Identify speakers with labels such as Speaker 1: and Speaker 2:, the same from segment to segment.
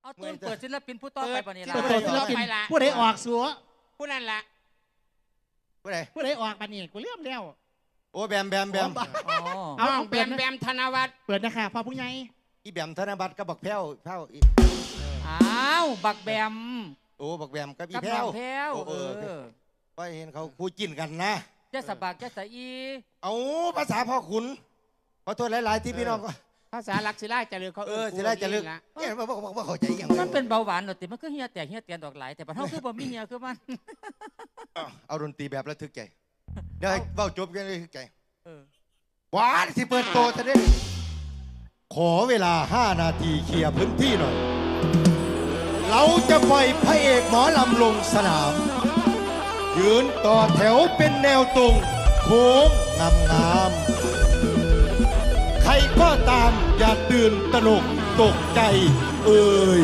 Speaker 1: เอาตูนเปิดศิลปินผู้ต่อไปปะนี่ล่ะ
Speaker 2: เปิดศิลปินผู้ใดออกสัว
Speaker 3: ผู้นั้นละ
Speaker 2: ผู้ใดออกปะนี่กูเลื่อมแล้ว
Speaker 4: โอ้แบม
Speaker 1: อ๋อ
Speaker 2: เอา
Speaker 3: น้อง
Speaker 2: เปิด
Speaker 3: แบมธนวัฒน์
Speaker 2: เปิดนะคะพ่อผู้ใหญ่
Speaker 4: อีแบมธนบัตรก็บักแพ้วอี
Speaker 1: อ้าวบักแบม
Speaker 4: โอ้บักแบมกับอี
Speaker 1: กับ
Speaker 4: แพ้
Speaker 1: น้อ
Speaker 4: ว
Speaker 1: งแพ้ว
Speaker 4: ก็เห็นเขาคู่จิ้นกันนะ
Speaker 1: เจ้าสะบักเจ้าสะอี
Speaker 4: เอาภาษาพ่อขุนขอโทษหลายๆที่พี่น้องก็
Speaker 3: ภาษาลักษิลาจะเลือกเขา
Speaker 4: จะได้จะลึกเนี่ยว่าเข้าใจอย่าง
Speaker 1: มันเป็นเบาหวานหรอติมันก็เฮียแตกเฮียเตียนดอกหลายแต่ปัญหาคือบ่มีเฮียคือมัน
Speaker 4: เอาดนตรีแบบระทึกใจเดี๋ยวให้เบ้าจบกันเลยทึกใจ
Speaker 1: เออ
Speaker 4: หวานที่เปิดโตจะได้ขอเวลา5 นาทีเคลียร์พื้นที่หน่อยเราจะปล่อยพระเอกหมอลำลงสนาม ยืนต่อแถวเป็นแนวตรงโค้งงามๆใครก็ตามอย่าตื่นตระหนกตกใจเอ่ย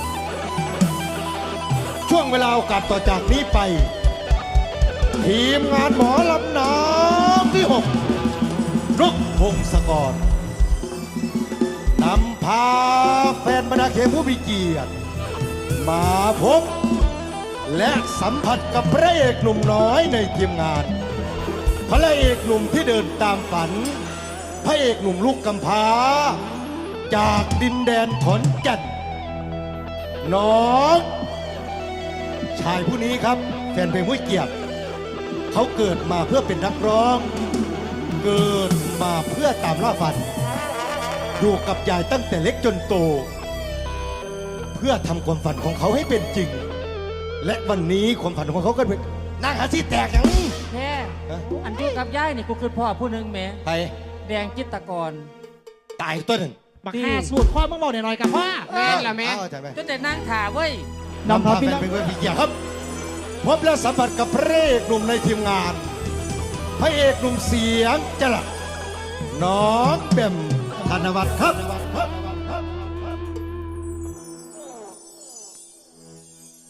Speaker 4: ช่วงเวลาโอกาสต่อจากนี้ไป ทีมงานหมอลำน้ำที่ 6นกพงศกรนำพาแฟนบรรดาเขผู้มีเกียรติมาพบและสัมผัสกับพระเอกหนุ่มน้อยในทีมงานพระเอกหนุ่มที่เดินตามฝันพระเอกหนุ่มลูกกำพร้าจากดินแดนขอนแก่นน้องชายผู้นี้ครับแฟนเพลงผู้เกียรติเขาเกิดมาเพื่อเป็นนักร้องเกิดมาเพื่อตามล่าฝันอยู่กับยายตั้งแต่เล็กจนโตเพื่อทำความฝันของเขาให้เป็นจริงและวันนี้ความฝันของเขาก็เป็นนางหาที่แตกอย่างนี้
Speaker 1: แพ้อันที่กับย่ายนี่กูคือพ่อผู้หนึ่งแหม่
Speaker 4: ไป
Speaker 1: แดงจิตรกร
Speaker 4: ตายตัวหนึ่ง
Speaker 2: บักห้าสูตรข้อมึงบอกหน่อยกับพ่อ
Speaker 3: แม่นละแม่
Speaker 4: เอาใจไหม
Speaker 1: จนแต่นั่งถ่าเว้ย
Speaker 2: นำพาพี่น้อง
Speaker 4: เป็นคนพิเกียรติครับพบและสัมผัสกับพระเอกหนุ่มในทีมงานพระเอกหนุ่มเสียงจลักน้องแบมธนวัฒน์ครับ